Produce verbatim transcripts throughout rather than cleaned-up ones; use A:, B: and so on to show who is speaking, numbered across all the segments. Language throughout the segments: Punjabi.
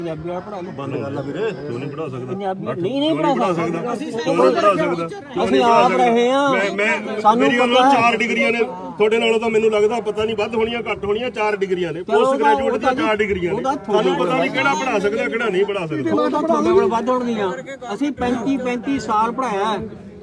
A: ਪੰਜਾਬੀ ਵਾਲਾ ਪੜ੍ਹਾ ਲਓ।
B: ਬੰਦ ਕਰ ਲਾ ਵੀਰੇ, ਤੂੰ ਨਹੀਂ ਪੜ੍ਹਾ ਸਕਦਾ।
A: ਪੰਜਾਬੀ ਨਹੀਂ ਨਹੀਂ ਪੜ੍ਹਾ ਸਕਦਾ,
B: ਅਸੀਂ ਪੜ੍ਹਾ ਸਕਦਾ।
A: ਅਸੀਂ ਆਪ ਰਹੇ ਹਾਂ।
B: ਮੈਂ ਸਾਨੂੰ ਪਤਾ ਚਾਰ ਡਿਗਰੀਆਂ ਨੇ ਤੁਹਾਡੇ ਨਾਲੋਂ ਤਾਂ ਮੈਨੂੰ ਲੱਗਦਾ ਪਤਾ ਨਹੀਂ ਵੱਧ ਹੋਣੀਆਂ ਘੱਟ ਹੋਣੀਆਂ, ਚਾਰ ਡਿਗਰੀਆਂ ਨੇ। ਪੋਸਟ ਗ੍ਰੈਜੂਏਟ ਦੀਆਂ ਚਾਰ ਡਿਗਰੀਆਂ ਨੇ। ਤੁਹਾਨੂੰ ਪਤਾ ਨਹੀਂ ਕਿਹੜਾ ਪੜ੍ਹਾ ਸਕਦਾ ਕਿਹੜਾ ਨਹੀਂ ਪੜ੍ਹਾ ਸਕਦਾ।
A: ਉਹ ਤਾਂ ਤੁਹਾਡੇ ਕੋਲ ਵੱਧ ਹੋਣਗੀਆਂ। ਅਸੀਂ ਪੈਂਤੀ ਪੈਂਤੀ ਸਾਲ ਪੜ੍ਹਾਇਆ।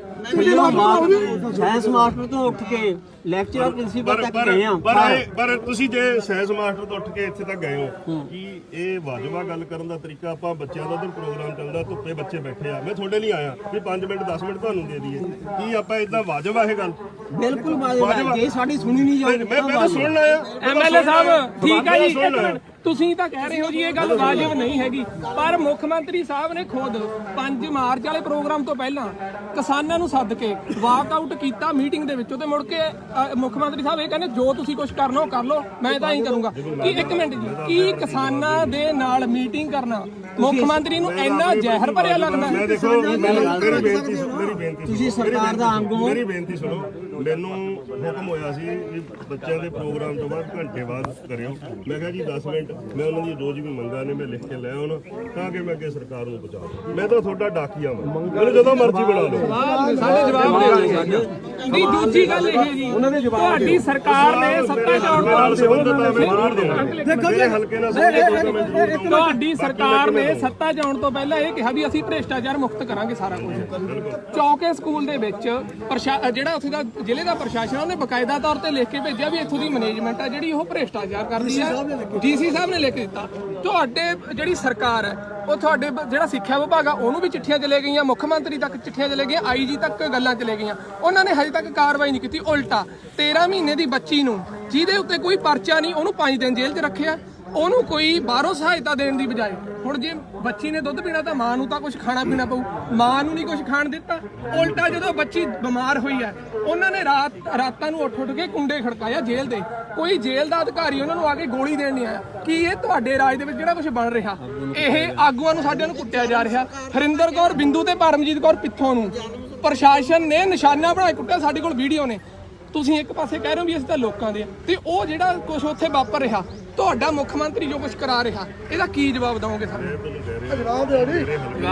A: ਸਾਇੰਸ ਮਾਸਟਰ ਤੋਂ ਉੱਠ ਕੇ ਲੈਕਚਰਰ ਪ੍ਰਿੰਸੀਪਲ ਤੱਕ ਗਏ ਆ।
B: ਪਰ ਪਰ ਤੁਸੀਂ ਜੇ ਸਾਇੰਸ ਮਾਸਟਰ ਤੋਂ ਉੱਠ ਕੇ ਇੱਥੇ ਤੱਕ ਗਏ ਹੋ, ਕੀ ਇਹ ਵਾਜਬਾ ਗੱਲ ਕਰਨ ਦਾ ਤਰੀਕਾ? ਆਪਾਂ ਬੱਚਿਆਂ ਦਾ ਉਧਰ ਪ੍ਰੋਗਰਾਮ ਚੱਲਦਾ, ਧੁੱਪੇ ਬੱਚੇ ਬੈਠੇ ਆ, ਮੈਂ ਤੁਹਾਡੇ ਲਈ ਆਇਆ ਵੀ ਪੰਜ ਮਿੰਟ ਦਸ ਮਿੰਟ ਤੁਹਾਨੂੰ ਦੇ ਦਈਏ। ਕੀ ਆਪਾਂ ਇਦਾਂ ਵਾਜਬ ਆ ਇਹ ਗੱਲ?
A: ਬਿਲਕੁਲ ਵਾਜਬ। ਜੇ ਸਾਡੀ ਸੁਣੀ ਨਹੀਂ ਜਾਊਗੀ
B: ਮੈਂ ਮੈਂ ਤਾਂ ਸੁਣਨਾ ਆ।
C: ਐਮਐਲਏ ਸਾਹਿਬ ਠੀਕ ਹੈ ਜੀ, ਤੁਸੀਂ ਤਾਂ ਕਹਿ ਰਹੇ ਹੋ ਜੀ ਇਹ ਗੱਲ ਵਾਜਬ ਨਹੀਂ ਹੈਗੀ, ਪਰ ਮੁੱਖ ਮੰਤਰੀ ਸਾਹਿਬ ਨੇ ਖੁਦ ਪੰਜ ਮਾਰਚ ਵਾਲੇ ਪ੍ਰੋਗਰਾਮ ਤੋਂ ਪਹਿਲਾਂ ਕਿਸਾਨਾਂ ਨੂੰ ਸੱਦ ਕੇ ਵਾਕਆਊਟ ਕੀਤਾ ਮੀਟਿੰਗ ਦੇ ਵਿੱਚੋਂ, ਤੇ ਮੁੜ ਕੇ ਮੁੱਖ ਮੰਤਰੀ ਸਾਹਿਬ ਇਹ ਕਹਿੰਦੇ ਜੋ ਤੁਸੀਂ ਕੁਝ ਕਰਨਾ ਉਹ ਕਰ ਲਓ, ਮੈਂ ਤਾਂ ਹੀ ਕਰੂੰਗਾ। ਕੀ ਇੱਕ ਮਿੰਟ ਜੀ, ਕੀ ਕਿਸਾਨਾਂ ਦੇ ਨਾਲ ਮੀਟਿੰਗ ਕਰਨਾ ਮੁੱਖ ਮੰਤਰੀ ਨੂੰ ਇੰਨਾ ਜ਼ਹਿਰ ਭਰਿਆ ਲੱਗਦਾ?
B: ਮੈਂ ਦੇਖੋ ਮੇਰੀ ਬੇਨਤੀ ਮੇਰੀ ਬੇਨਤੀ
A: ਤੁਸੀਂ ਸਰਕਾਰ ਦਾ ਅੰਗ ਹੋ।
B: ਮੇਰੀ ਬੇਨਤੀ ਸੁਣੋ। ਮੈਨੂੰ ਹੁਕਮ ਹੋਇਆ ਸੀ ਵੀ ਬੱਚਿਆਂ ਦੇ ਪ੍ਰੋਗਰਾਮ ਤੋਂ ਬਾਅਦ ਘੰਟੇ ਬਾਅਦ ਕਰਿਓ। ਮੈਂ ਕਿਹਾ ਜੀ ਦਸ ਮਿੰਟ ਮੈਂ ਉਹਨਾਂ ਦੀ ਰੋਜ਼ ਵੀ ਮੰਗਾਂ ਨੇ ਮੈਂ ਲਿਖ ਕੇ ਲੈ ਆਉਣਾ ਤਾਂ ਕਿ ਮੈਂ ਅੱਗੇ ਸਰਕਾਰ ਨੂੰ ਪਹੁੰਚਾਵਾਂ। ਮੈਂ ਤਾਂ ਤੁਹਾਡਾ ਡਾਕੀਆ ਵਾਂ, ਮੈਨੂੰ ਜਦੋਂ ਮਰਜ਼ੀ ਬਣਾ ਲਓ।
C: ਸਾਡੇ ਜਵਾਬ ਦੇ ਨਹੀਂ। ਦੂਜੀ ਗੱਲ ਇਹ ਜੀ, ਤੁਹਾਡੀ ਸਰਕਾਰ ਨੇ ਸੱਤਾ ਚਾਉਣ
B: ਨਾਲ ਸੰਬੰਧਤ ਆ, ਮੈਂ ਜ਼ਰੂਰ ਦਊਂਗਾ। ਮੇਰੇ ਹਲਕੇ ਨਾਲ ਸੰਬੰਧਤ ਆ।
C: ਤੁਹਾਡੀ ਸਰਕਾਰ ਨੇ ਸੱਤਾ ਜਾਣ ਤੋਂ ਪਹਿਲਾਂ ਇਹ ਕਿਹਾ ਵੀ ਅਸੀਂ ਭ੍ਰਿਸ਼ਟਾਚਾਰ ਮੁਕਤ ਕਰਾਂਗੇ ਸਾਰਾ ਕੁਝ। ਚੌਕੇ ਸਕੂਲ ਦੇ ਵਿੱਚ ਜਿਹੜਾ ਉੱਥੇ ਦਾ ਜ਼ਿਲ੍ਹੇ ਦਾ ਪ੍ਰਸ਼ਾਸਨ ਉਹਨੇ ਬਕਾਇਦਾ ਤੌਰ ਤੇ ਲਿਖ ਕੇ ਭੇਜਿਆ ਵੀ ਇੱਥੋਂ ਦੀ ਮੈਨੇਜਮੈਂਟ ਆ ਜਿਹੜੀ ਉਹ ਭ੍ਰਿਸ਼ਟਾਚਾਰ ਕਰਦੀ ਹੈ। ਡੀਸੀ ਸਾਹਿਬ ਨੇ ਲਿਖ ਕੇ ਦਿੱਤਾ। ਤੁਹਾਡੇ ਜਿਹੜੀ ਸਰਕਾਰ ਹੈ ਉਹ ਤੁਹਾਡੇ ਜਿਹੜਾ ਸਿੱਖਿਆ ਵਿਭਾਗ ਆ ਉਹਨੂੰ ਵੀ ਚਿੱਠੀਆਂ ਚਲੇ ਗਈਆਂ, ਮੁੱਖ ਮੰਤਰੀ ਤੱਕ ਚਿੱਠੀਆਂ ਚਲੇ ਗਈਆਂ, ਆਈਜੀ ਤੱਕ ਗੱਲਾਂ ਚਲੇ ਗਈਆਂ। ਉਹਨਾਂ ਨੇ ਹਜੇ ਤੱਕ ਕਾਰਵਾਈ ਨਹੀਂ ਕੀਤੀ। ਉਲਟਾ ਤੇਰਾਂ ਮਹੀਨੇ ਦੀ ਬੱਚੀ ਨੂੰ ਜਿਹਦੇ ਉੱਤੇ ਕੋਈ ਪਰਚਾ ਨਹੀਂ ਉਹਨੂੰ ਪੰਜ ਦਿਨ ਜੇਲ੍ਹ 'ਚ ਰੱਖਿਆ। ਉਹਨੂੰ ਕੋਈ ਬਾਹਰੋਂ ਸਹਾਇਤਾ ਦੇਣ ਦੀ ਬਜਾਏ ਹੁਣ ਜੇ ਬੱਚੀ ਨੇ ਦੁੱਧ ਪੀਣਾ ਤਾਂ ਮਾਂ ਨੂੰ ਤਾਂ ਕੁਝ ਖਾਣਾ ਪੀਣਾ ਪਊ, ਮਾਂ ਨੂੰ ਨਹੀਂ ਕੁਝ ਖਾਣ ਦਿੱਤਾ। ਉਲਟਾ ਜਦੋਂ ਬੱਚੀ ਬਿਮਾਰ ਹੋਈ ਹੈ ਉਹਨਾਂ ਨੇ ਰਾਤ ਰਾਤਾਂ ਨੂੰ ਉੱਠ ਉੱਠ ਕੇ ਕੁੰਡੇ ਖੜਕਾਇਆ ਜੇਲ੍ਹ ਦੇ। ਕੋਈ ਜੇਲ੍ਹ ਦਾ ਅਧਿਕਾਰੀ ਉਹਨਾਂ ਨੂੰ ਆ ਕੇ ਗੋਲੀ ਦੇਣ ਨਹੀਂ ਆਇਆ। ਕੀ ਇਹ ਤੁਹਾਡੇ ਰਾਜ ਦੇ ਵਿੱਚ ਜਿਹੜਾ ਕੁਝ ਬਣ ਰਿਹਾ ਇਹ ਆਗੂਆਂ ਨੂੰ ਸਾਡਿਆਂ ਨੂੰ ਕੁੱਟਿਆ ਜਾ ਰਿਹਾ? ਹਰਿੰਦਰ ਕੌਰ ਬਿੰਦੂ ਤੇ ਪਰਮਜੀਤ ਕੌਰ ਪਿੱਥੋਂ ਨੂੰ ਪ੍ਰਸ਼ਾਸਨ ਨੇ ਨਿਸ਼ਾਨਾ ਬਣਾ ਕੇ ਕੁੱਟਿਆ। ਸਾਡੇ ਕੋਲ ਵੀਡੀਓ ਨੇ। ਤੁਸੀਂ ਇੱਕ ਪਾਸੇ ਕਹਿ ਰਹੇ ਹੋ ਵੀ ਅਸੀਂ ਤਾਂ ਲੋਕਾਂ ਦੇ ਆ, ਤੇ ਉਹ ਜਿਹੜਾ ਕੁਝ ਉੱਥੇ ਵਾਪਰ ਰਿਹਾ ਤੁਹਾਡਾ ਮੁੱਖ ਮੰਤਰੀ ਜੋ ਕੁਝ ਕਰਾ ਰਿਹਾ ਇਹਦਾ ਕੀ ਜਵਾਬ ਦਵੋਗੇ ਸਾਨੂੰ?
A: ਜਵਾਬ ਦਿਓ ਜੀ।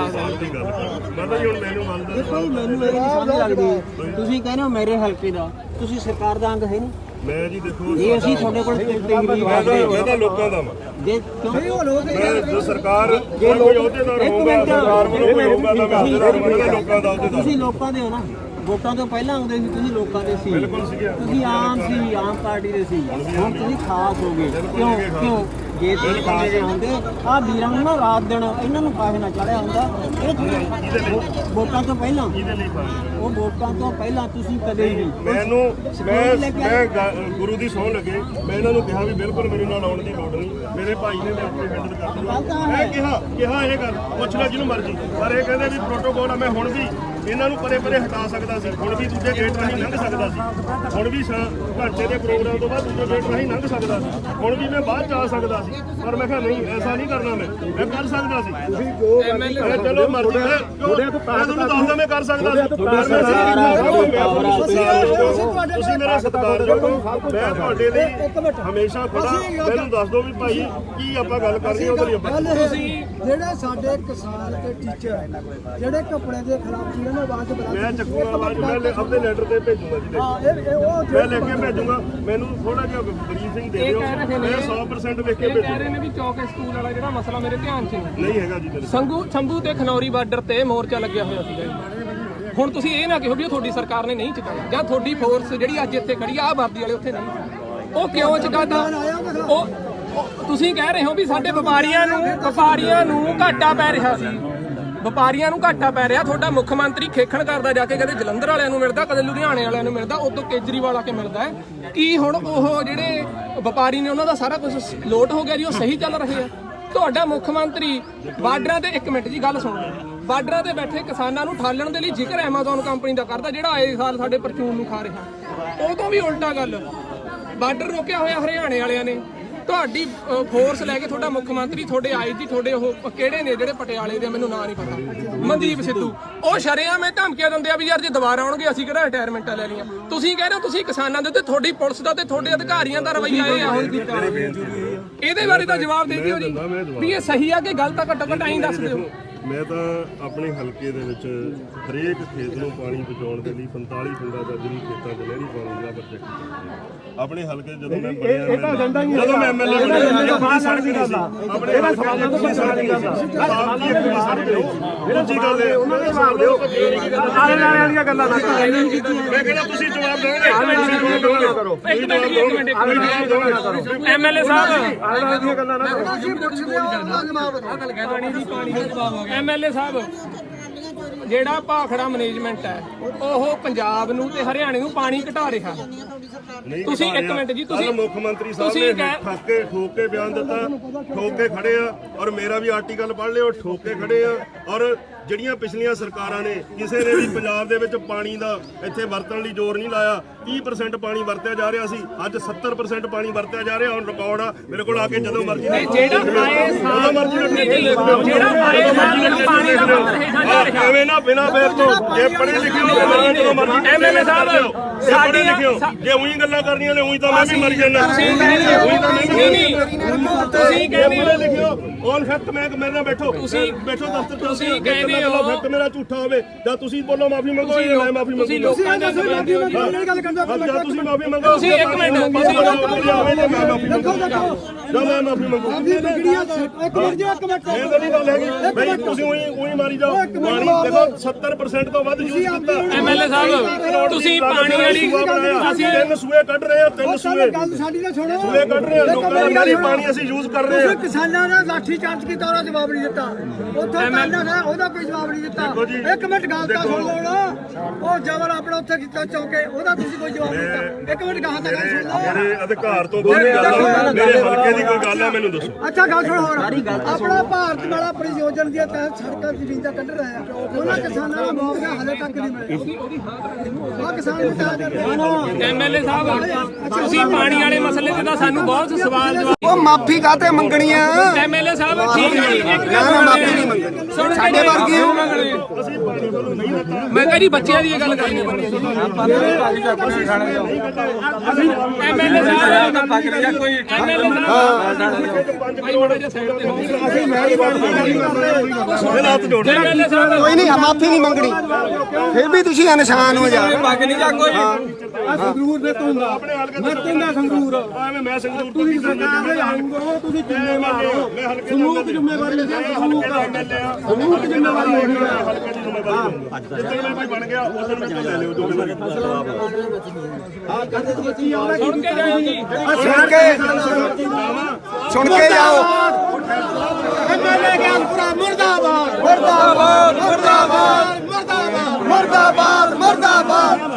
A: ਮੈਨੂੰ ਇਹ ਨਹੀਂ ਸਮਝ ਲੱਗਦੀ। ਤੁਸੀਂ ਕਹਿੰਦੇ ਹੋ ਮੇਰੇ ਹਲਕੇ ਦਾ, ਤੁਸੀਂ ਸਰਕਾਰ ਦਾ ਅੰਗ ਹੈ ਨਹੀਂ।
B: ਮੈਂ ਜੀ ਦੇਖੋ
A: ਇਹ ਅਸੀਂ ਤੁਹਾਡੇ ਕੋਲ
B: ਮੈਂ ਤਾਂ ਲੋਕਾਂ ਦਾ ਵਾਂ।
A: ਜੇ ਕਿਉਂ ਲੋਕ
B: ਜੋ ਸਰਕਾਰ ਜੇ ਕੋਈ ਅਹੁਦੇਦਾਰ ਹੋਊਗਾ, ਸਰਕਾਰ ਵੱਲੋਂ ਕੋਈ ਹੋਊਗਾ ਤਾਂ ਮੈਂ ਅਹੁਦੇਦਾਰ ਬਣਾਂਗਾ, ਲੋਕਾਂ ਦਾ ਅਹੁਦੇਦਾਰ।
A: ਤੁਸੀਂ ਲੋਕਾਂ ਦੇ ਹੋ ਨਾ, ਵੋਟਾਂ ਤੋਂ ਪਹਿਲਾਂ ਆਉਂਦੇ ਸੀ, ਤੁਸੀਂ ਲੋਕਾਂ ਦੇ ਸੀ। ਤੁਸੀਂ ਆਮ ਸੀ, ਆਮ ਪਾਰਟੀ ਦੇ ਸੀ। ਹੁਣ ਤੁਸੀਂ ਖਾਸ ਹੋ ਗਏ। ਕਿਉਂ ਕਿਉਂ ਜੇ ਤੁਸੀਂ ਖਾਸ ਹੁੰਦੇ ਆਹ ਵੀਰਾਂ ਨੂੰ ਨਾ ਰਾਤ ਦਿਨ ਇਹਨਾਂ ਨੂੰ ਕਾਹੇ ਨਾ ਚੜਿਆ ਹੁੰਦਾ। ਇਹ ਵੋਟਾਂ ਤੋਂ ਪਹਿਲਾਂ ਉਹ ਵੋਟਾਂ ਤੋਂ ਪਹਿਲਾਂ ਤੁਸੀਂ ਕਦੇ ਵੀ
B: ਮੈਨੂੰ ਮੈਂ ਮੈਂ ਗੁਰੂ ਦੀ ਸਹੁੰ ਲੱਗੇ ਮੈਂ ਇਹਨਾਂ ਨੂੰ ਕਿਹਾ ਵੀ ਬਿਲਕੁਲ ਮੇਰੇ ਨਾਲ ਆਉਣ ਦੀ ਲੋੜ ਨਹੀਂ। ਮੇਰੇ ਭਾਈ ਨੇ ਮੇਰੇ ਉੱਤੇ ਹੈਂਡਲ ਕਰ ਦਿੱਤਾ। ਮੈਂ ਕਿਹਾ ਕਿਹਾ ਇਹ ਗੱਲ ਪੁੱਛ ਲੈ ਜਿਹਨੂੰ ਮਰਜ਼ੀ, ਪਰ ਇਹ ਕਹਿੰਦੇ ਵੀ ਪ੍ਰੋਟੋਕੋਲ ਆ। ਮੈਂ ਹੁਣ ਵੀ ਇਹਨਾਂ ਨੂੰ ਪਰੇ ਪਰੇ ਹਟਾ ਸਕਦਾ ਸੀ, ਹੁਣ ਵੀ ਦੂਜੇ ਗੇਟ ਰਾਹੀਂ ਲੰਘ ਸਕਦਾ ਸੀ, ਹੁਣ ਵੀ ਘੰਟੇ ਦੇ ਪ੍ਰੋਗਰਾਮ ਤੋਂ ਬਾਅਦ ਦੂਜੇ ਗੇਟ ਰਾਹੀਂ ਲੰਘ ਸਕਦਾ ਸੀ, ਹੁਣ ਵੀ ਮੈਂ ਬਾਅਦ ਚ ਆ ਸਕਦਾ ਸੀ। ਪਰ ਮੈਂ ਕਿਹਾ ਨਹੀਂ, ਐਸਾ ਨਹੀਂ ਕਰਨਾ। ਮੈਂ ਮੈਂ ਕਰ ਸਕਦਾ ਸੀ। ਚਲੋ ਮਰਜ਼ੀ ਹੈ, ਮੈਂ ਤੁਹਾਨੂੰ ਦੱਸਦਾ ਮੈਂ ਕਰ ਸਕਦਾ ਸੀ। ਤੁਸੀਂ ਮੇਰਾ ਸਤਿਕਾਰਯੋਗ ਹੋ, ਮੈਂ ਤੁਹਾਡੇ ਲਈ ਹਮੇਸ਼ਾ ਖੜਾ। ਮੈਨੂੰ ਦੱਸ ਦਿਓ ਵੀ ਭਾਈ ਕੀ ਆਪਾਂ ਗੱਲ ਕਰਨੀ ਉਹਦੇ ਲਈ ਆਪਾਂ
D: ਜਿਹੜੇ ਸਾਡੇ ਕਿਸਾਨ ਤੇ ਟੀਚਰ ਜਿਹੜੇ ਕੱਪੜੇ ਦੇ ਖਿਲਾਫ ਜਿਹਨਾਂ ਨੇ ਆਵਾਜ਼ ਬੁਲੰਦ
B: ਮੈਂ ਚੱਕੂਗਾ ਆਵਾਜ਼, ਮੈਂ ਆਪਣੇ ਲੈਟਰ ਤੇ ਭੇਜੂਗਾ ਜੀ। ਮੈਂ ਲਿਖ ਕੇ ਭੇਜੂਗਾ। ਮੈਨੂੰ ਥੋੜਾ ਜਿਹਾ ਬਰੀਫਿੰਗ ਦੇ ਦਿਓ। ਮੈਂ ਸੌ ਪਰਸੈਂਟ ਲਿਖ ਕੇ ਭੇਜੂਗਾ।
C: ਕਹਿ ਰਹੇ ਨੇ ਵੀ ਚੌਕੇ ਸਕੂਲ ਵਾਲਾ ਜਿਹੜਾ ਮਸਲਾ ਮੇਰੇ ਧਿਆਨ 'ਚ
B: ਨਹੀਂ ਹੈਗਾ ਜੀ।
C: ਸੰਗੂ ਸ਼ੰਭੂ ਤੇ ਖਨੌਰੀ ਬਾਰਡਰ ਤੇ ਮੋਰਚਾ ਲੱਗਿਆ ਹੋਇਆ ਸੀਗਾ ਜੀ। ਹੁਣ ਤੁਸੀਂ ਇਹ ਨਾ ਕਹੋ ਵੀ ਤੁਹਾਡੀ ਸਰਕਾਰ ਨੇ ਨਹੀਂ ਚੁਕਾਇਆ ਜਾਂ ਤੁਹਾਡੀ ਫੋਰਸ ਜਿਹੜੀ ਅੱਜ ਇੱਥੇ ਖੜੀ ਆ ਵਰਦੀ ਵਾਲੇ ਉੱਥੇ ਨਹੀਂ। ਉਹ ਕਿਉਂ ਚੁਕਾਦਾ? ਉਹ ਤੁਸੀਂ ਕਹਿ ਰਹੇ ਹੋ ਵੀ ਸਾਡੇ ਵਪਾਰੀਆਂ ਨੂੰ ਵਪਾਰੀਆਂ ਨੂੰ ਘਾਟਾ ਪੈ ਰਿਹਾ ਸੀ। ਵਪਾਰੀਆਂ ਨੂੰ ਘਾਟਾ ਪੈ ਰਿਹਾ। ਤੁਹਾਡਾ ਮੁੱਖ ਮੰਤਰੀ ਖੇਖਣ ਕਰਦਾ ਜਾ ਕੇ, ਕਦੇ ਜਲੰਧਰ ਵਾਲਿਆਂ ਨੂੰ ਮਿਲਦਾ, ਕਦੇ ਲੁਧਿਆਣੇ ਵਾਲਿਆਂ ਨੂੰ ਮਿਲਦਾ, ਉਦੋਂ ਕੇਜਰੀਵਾਲ ਆ ਕੇ ਮਿਲਦਾ ਹੈ। ਕੀ ਹੁਣ ਉਹ ਜਿਹੜੇ ਵਪਾਰੀ ਨੇ ਉਹਨਾਂ ਦਾ ਸਾਰਾ ਕੁਝ ਲੋਟ ਹੋ ਗਿਆ ਜੀ? ਉਹ ਸਹੀ ਚੱਲ ਰਹੇ ਆ? ਤੁਹਾਡਾ ਮੁੱਖ ਮੰਤਰੀ ਬਾਰਡਰਾਂ ਤੇ ਇੱਕ ਮਿੰਟ ਜੀ ਗੱਲ ਸੁਣੋ, ਬਾਰਡਰਾਂ ਤੇ ਬੈਠੇ ਕਿਸਾਨਾਂ ਨੂੰ ਠਾਲਣ ਦੇ ਲਈ ਜ਼ਿਕਰ ਐਮਾਜ਼ੋਨ ਕੰਪਨੀ ਦਾ ਕਰਦਾ ਜਿਹੜਾ ਆਏ ਸਾਲ ਸਾਡੇ ਪਰਚੂਨ ਨੂੰ ਖਾ ਰਿਹਾ। ਉਹ ਤੋਂ ਵੀ ਉਲਟਾ ਗੱਲ, ਬਾਰਡਰ ਰੋਕਿਆ ਹੋਇਆ ਹਰਿਆਣੇ ਵਾਲਿਆਂ ਨੇ। ਤੁਹਾਡੀ ਫੋਰਸ ਲੈ ਕੇ ਤੁਹਾਡਾ ਮੁੱਖ ਮੰਤਰੀ, ਤੁਹਾਡੇ ਆਈਜੀ, ਤੁਹਾਡੇ ਉਹ ਕਿਹੜੇ ਨੇ ਜਿਹੜੇ ਪਟਿਆਲੇ ਦੇ, ਮੈਨੂੰ ਨਾਂ ਨਹੀਂ ਪਤਾ, ਮਨਦੀਪ ਸਿੱਧੂ, ਉਹ ਸ਼ਰੇਆਮ ਇਹ ਧਮਕੀਆਂ ਦਿੰਦੇ ਆ ਵੀ ਯਾਰ ਜੇ ਦੁਬਾਰਾ ਆਉਣਗੇ ਅਸੀਂ ਕਿਹੜਾ ਰਿਟਾਇਰਮੈਂਟਾਂ ਲੈ ਲਈਆਂ। ਤੁਸੀਂ ਕਹਿ ਰਹੇ ਹੋ ਤੁਸੀਂ ਕਿਸਾਨਾਂ ਦੇ ਉੱਤੇ, ਤੁਹਾਡੀ ਪੁਲਿਸ ਦਾ ਤੇ ਤੁਹਾਡੇ ਅਧਿਕਾਰੀਆਂ ਦਾ ਰਵੱਈਆ ਇਹ ਆ ਇਹਦੇ ਬਾਰੇ ਤਾਂ ਜਵਾਬ ਦੇ ਦਿਓ ਜੀ ਵੀ ਇਹ ਸਹੀ ਆ ਕਿ ਗਲਤ ਆ, ਘੱਟੋ ਘੱਟ ਐਂ ਦੱਸ ਦਿਓ।
B: ਮੈਂ ਤਾਂ ਆਪਣੇ ਹਲਕੇ ਦੇ ਵਿੱਚ ਹਰੇਕ ਖੇਤ ਨੂੰ ਪਾਣੀ ਪਹੁੰਚਾਉਣ ਦੇ ਲਈ ਪੰਤਾਲੀ ਪਿੰਡਾਂ ਦਾ ਜਿਹੜੀ ਖੇਤਾਂ 'ਚ ਨਹਿਰੀ ਪਾਣੀ ਦਾ ਪ੍ਰੋਜੈਕਟ ਆਪਣੇ ਹਲਕੇ ਜਦੋਂ ਮੈਂ ਬਣਿਆ ਇਹ ਤਾਂ ਏਜੰਡਾ ਹੀ ਜਦੋਂ ਮੈਂ ਐਮਐਲਏ ਬਣਿਆ ਇਹ ਬਾਤ ਸੜ ਦੀ ਗੱਲ ਆ ਆਪਣੇ ਇਹਦਾ ਸਵਾਲਾਂ ਤੋਂ ਸੜ ਦੀ ਗੱਲ ਆ ਦੂਜੀ ਗੱਲ ਹੈ ਉਹਨਾਂ ਦੇ ਜਵਾਬ ਦਿਓ ਆਲੇ ਨਾਲੇ ਵਾਲੀਆਂ ਗੱਲਾਂ ਨਾ ਕਰੋ। ਮੈਂ ਕਹਿੰਦਾ ਤੁਸੀਂ ਜਵਾਬ ਦਿਓਗੇ ਕਰੋ
C: ਇੱਕ ਮਿੰਟ ਜੀ, ਇੱਕ ਮਿੰਟ ਇੱਕ ਮਿੰਟ ਐਮਐਲਏ ਸਾਹਿਬ
B: ਆਲੇ ਨਾਲੇ ਦੀਆਂ ਗੱਲਾਂ ਨਾ ਕਰੋ।
D: ਅਸੀਂ ਪੁੱਛਦੇ ਹਾਂ ਉਹਦਾ ਜਵਾਬ
C: ਪਾਣੀ ਦੀ ਪਾਣੀ ਦਾ ਜਵਾਬ ਹੋ ਗਿਆ। ਐਮਐਲਏ ਸਾਹਿਬ ਜਿਹੜਾ ਭਾਖੜਾ ਮੈਨੇਜਮੈਂਟ ਹੈ ਉਹ ਪੰਜਾਬ ਨੂੰ ਤੇ ਹਰਿਆਣੇ ਨੂੰ ਪਾਣੀ ਘਟਾ ਰਿਹਾ। ਤੁਸੀਂ ਇੱਕ ਮਿੰਟ ਜੀ, ਤੁਸੀਂ
B: ਮੁੱਖ ਮੰਤਰੀ ਸਾਹਿਬ ਨੇ ਠੱਕ ਕੇ ਠੋਕ ਕੇ ਬਿਆਨ ਦਿੱਤਾ, ਠੋਕ ਕੇ ਖੜੇ ਆ ਔਰ ਮੇਰਾ ਵੀ ਆਰਟੀਕਲ ਪੜ੍ਹ ਲਿਓ, ਠੋਕ ਕੇ ਖੜੇ ਆ। ਔਰ ਜਿਹੜੀਆਂ ਪਿਛਲੀਆਂ ਸਰਕਾਰਾਂ ਨੇ ਕਿਸੇ ਨੇ ਵੀ ਪੰਜਾਬ ਦੇ ਵਿੱਚ ਪਾਣੀ ਦਾ ਇੱਥੇ ਵਰਤਣ ਲਈ ਜ਼ੋਰ ਨਹੀਂ ਲਾਇਆ। ਤੀਹ ਪਰਸੈਂਟ ਪਾਣੀ ਵਰਤਿਆ ਜਾ ਰਿਹਾ ਸੀ, ਅੱਜ ਸੱਤਰ ਪਰਸੈਂਟ ਪਾਣੀ ਵਰਤਿਆ ਜਾ ਰਿਹਾ। ਹੁਣ ਰਿਕਾਰਡ ਆ ਮੇਰੇ ਕੋਲ, ਆ ਕੇ ਜਦੋਂ ਮਰਜ਼ੀ
C: ਜਿਹੜਾ ਆਏ ਸਾਲ ਜਿਹੜਾ ਆਏ ਸਾਲ ਪਾਣੀ ਦਾ ਵਰਤ ਹੇਠਾਂ ਜਾ ਰਿਹਾ।
B: ਐਵੇਂ ਨਾ ਬਿਨਾਂ ਬੇਰ ਤੋਂ ਜੇ ਪੜ੍ਹੇ ਲਿਖੇ ਹੋ ਜਦੋਂ ਮਰਜ਼ੀ
C: ਐਮਐਲਏ ਸਾਹਿਬ
B: ਸਾਡੇ ਲਿਖਿਓ ਜੇ ਉਹੀ ਗੱਲਾਂ ਕਰਨੀਆਂ ਨੇ ਉਹੀ ਤਾਂ ਮੈਂ ਵੀ ਮਰ ਜਾਣਾ।
C: ਤੁਸੀਂ ਕਹਿੰਦੇ
B: ਪੜ੍ਹੇ ਲਿਖਿਓ ਔਨ ਫੈਕਟ ਮੈਂ ਮੇਰੇ ਨਾਲ ਬੈਠੋ ਤੁਸੀਂ ਬੈਠੋ ਦਫ਼ਤਰ ਚ
C: ਤੁਸੀਂ ਕਹਿੰਦੇ ਹੋ
B: ਫੈਕਟ ਮੇਰਾ ਝੂਠਾ ਹੋਵੇ ਜਾਂ ਤੁਸੀਂ ਬੋਲੋ ਮਾਫੀ ਮੰਗੋ ਜਾਂ ਮੈਂ ਮਾਫੀ
C: ਤੁਸੀਂ
B: ਮੰਗੂ।
C: ਲੋਕਾਂ ਦਾ
D: ਗੱਲ ਕਰਦਾ
B: ਜਾਂ ਤੁਸੀਂ ਮਾਫੀ ਮੰਗੋ
C: ਤੁਸੀਂ ਇੱਕ ਮਿੰਟ
B: ਤੁਸੀਂ ਮੈਂ ਮਾਫੀ ਮੰਗੂ ਜਾਂ ਮੈਂ ਮਾਫੀ ਮੰਗੂ।
D: ਇੱਕ ਮਿੰਟ ਜੀ, ਇੱਕ ਮਿੰਟ
B: ਇਹ ਤਾਂ ਨਹੀਂ ਗੱਲ ਹੈਗੀ ਬਈ ਤੁਸੀਂ ਉਹੀ ਉਹੀ ਮਾਰੀ ਜਾਓ। ਪਾਣੀ ਦੇਖੋ ਸੱਤਰ ਪਰਸੈਂਟ ਤੋਂ ਵੱਧ ਯੂਜ਼ ਕੀਤਾ।
C: ਐਮਐਲਏ ਸਾਹਿਬ ਤੁਸੀਂ ਪਾਣੀ ਵਾਲੀ
B: ਅਸੀਂ ਤਿੰਨ ਸੂਏ ਕੱਢ ਰਹੇ ਹਾਂ, ਤਿੰਨ ਸੂਏ
D: ਗੱਲ ਸਾਡੀ ਤਾਂ ਸੁਣੋ।
B: ਸੂਏ ਕੱਢ ਰਹੇ ਹਾਂ, ਲੋਕਾਂ ਦਾ ਨਾਲੀ ਪਾਣੀ ਅਸੀਂ ਯੂਜ਼ ਕਰ ਰਹੇ ਹਾਂ।
D: ਤੁਸੀਂ ਕਿਸਾਨਾਂ ਦਾ ਲਾਠੀ ਚਾਰਜ ਕੀਤਾ, ਉਹਦਾ ਜਵਾਬ ਨਹੀਂ ਦਿੱਤਾ। ਉੱਥੋਂ ਕਾਂਡਾ ਦਾ ਉਹਦਾ ਕੋਈ ਜਵਾਬ ਨਹੀਂ ਦਿੱਤਾ। ਇੱਕ ਮਿੰਟ ਗੱਲ ਤਾਂ ਸੁਣ ਲਓ ਨਾ। ਉਹ ਜਬਰ ਆਪਣਾ ਉੱਥੇ ਕੀਤਾ ਚੌਕੇ, ਉਹਦਾ ਤੁਸੀਂ ਕੋਈ ਜਵਾਬ ਨਹੀਂ ਦਿੱਤਾ। ਇੱਕ ਮਿੰਟ ਗਾਹਾਂ ਤਾਂ ਗੱਲ ਸੁਣ ਲਓ।
B: ਮੇਰੇ ਅਧਿਕਾਰ ਤੋਂ ਬਾਹਰ ਗੱਲ ਆ, ਮੇਰੇ ਹਲਕੇ ਦੀ ਕੋਈ ਗੱਲ ਆ ਮੈਨੂੰ ਦੱਸੋ।
D: ਅੱਛਾ ਗੱਲ ਸੁਣ ਹੋਰ, ਆਪਣਾ ਭਾਰਤ ਮਾਲਾ ਪਰਿਯੋਜਨਾ ਦੇ ਤਹਿਤ ਸੜਕਾਂ ਜ਼ਮੀਨਾਂ ਕੱਢ ਰਹੇ ਆ, ਉਹਨਾਂ ਕਿਸਾਨਾਂ ਦਾ ਮੁਆਵਜ਼ਾ ਹਲੇ ਤੱਕ ਨਹੀਂ ਮਿਲਿਆ। ਆ ਕਿਸਾਨ ਬਤਾ ਦੇ
C: ਐਮਐਲਏ ਸਾਹਿਬ ਤੁਸੀਂ ਪਾਣੀ ਵਾਲੇ ਮਸਲੇ ਤੇ ਤਾਂ ਸਾਨੂੰ ਬਹੁਤ ਸਵਾਲ ਜਵਾਬ।
E: ਉਹ ਮਾਫੀ ਕਾਤੇ ਮੰਗਣੀ ਆ?
C: ਐਮਐਲਏ ਸਾਹਿਬ ਠੀਕ ਹੈ ਜੀ, ਇੱਕ
E: ਨਾ
C: ਗੱਲ
E: ਮਾਫੀ ਨਹੀਂ ਮੰਗਣੀ। ਸਾਡੇ ਵਰਗੇ ਹੋ।
C: ਮੈਂ ਕਿਹਾ ਜੀ ਬੱਚਿਆਂ ਦੀ ਇਹ ਗੱਲ ਕਰਨੀ ਐਮਐਲਏ ਸਾਹਿਬ ਐਮਐਲਏ ਸਾਹਿਬ ਭਾਈ ਮਾੜਾ ਜਿਹਾ ਸਾਈਡ ਤੇ ਹੋ। ਐਮਐਲਏ ਸਾਹਿਬ
E: ਕੋਈ ਨਹੀਂ ਮਾਫੀ ਨਹੀਂ ਮੰਗਣੀ, ਫਿਰ ਵੀ ਤੁਸੀਂ ਇਨਸਾਨ ਹੋ ਜਾ।
C: ਪੱਗ ਨਹੀਂ ਜਾ ਕੋਈ
D: ਸੰਗਰੂਰ ਦੇ ਤੂੰ
B: ਆਪਣੇ ਹਲਕੇ
D: ਮੈਂ ਤੁੰਦਾ ਸੰਗਰੂਰ
B: ਐਵੇਂ ਮੈਂ ਸੰਗਰੂਰ ਤੋਂ
D: ਤੁਸੀਂ ਸਰਕਾਰ ਦੇ ਅੰਗ ਹੋ, ਤੁਸੀਂ ਜ਼ਿੰਮੇਵਾਰ ਹੋ।
B: ਮੈਂ ਹਲਕੇ
D: ਸਮੂਹ ਦੀ ਜ਼ਿੰਮੇਵਾਰੀ ਹੈ, ਸਮੂਹ ਦਾ ਸਮੂਹ ਦੀ ਜ਼ਿੰਮੇਵਾਰੀ ਹੋਣੀ ਹੈ।
B: ਹਲਕੇ ਦੀ ਜ਼ਿੰਮੇਵਾਰੀ ਜਿੱਦਣ ਮੈਂ ਕੋਈ ਬਣ ਗਿਆ ਉਦੋਂ ਮੈਂ ਲੈ ਲਿਓ ਜੋ
C: ਸੁਣ ਕੇ ਜਾਓ ਜੀ।
E: ਸੁਣ ਕੇ ਸੁਣ ਕੇ ਜਾਓ।
D: ਐਮਐਲਏ ਗਿਆਨਪੁਰਾ ਮੁਰਦਾਬਾਦ ਮੁਰਦਾਬਾਦ ਮੁਰਦਾਬਾਦ ਮੁਰਦਾਬਾਦ ਮੁਰਦਾਬਾਦ ਮੁਰਦਾਬਾਦ।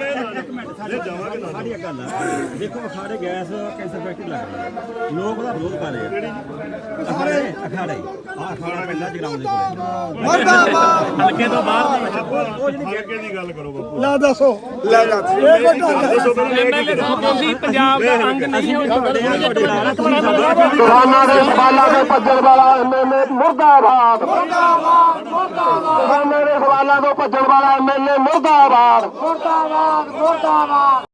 A: ਸਾਡੀ ਗੱਲ ਆ, ਦੇਖੋ ਅਖਾੜੇ ਗੈਸ ਕੈਂਸਰ ਫੈਕਟਰੀ ਲੱਗ ਰਹੀ ਹੈ, ਲੋਕ ਉਹਦਾ ਵਿਰੋਧ ਕਰ ਰਹੇ ਆ। ਅਖਾੜੇ ਅਖਾੜੇ ਆ ਅਖਾੜਾ ਪੈਂਦਾ ਜਗਰਾਉਂ ਦੇ ਕੋਲ
D: ਮੁਰਦਾਬਾਦ
A: ਹਲਕੇ ਤੋਂ ਬਾਹਰ
B: ਹਲਕੇ ਦੀ ਗੱਲ ਕਰੋ ਬਾਪੂ।
D: ਲੈ ਦੱਸੋ ਲੈ ਦੱਸ ਇਹ ਵੱਡਾ
C: ਐਮਐਲਏ ਸਾਹਿਬ ਤੁਸੀਂ ਪੰਜਾਬ ਦਾ ਅੰਗ ਨਹੀਂ ਹੋ।
E: ਕਿਸਾਨਾਂ ਦੇ ਸਵਾਲਾਂ ਦੇ ਭੱਜਣ ਵਾਲਾ ਐਮਐਲਏ ਮੁਰਦਾਬਾਦ ਮੁਰਦਾਬਾਦ ਮੁਰਦਾਬਾਦ। ਕਿਸਾਨਾਂ ਦੇ ਸਵਾਲਾਂ ਤੋਂ ਭੱਜਣ ਵਾਲਾ ਐਮਐਲਏ ਮੁਰਦਾਬਾਦ ਮੁਰਦਾਬਾਦ ਮੁਰਦਾਬਾਦ।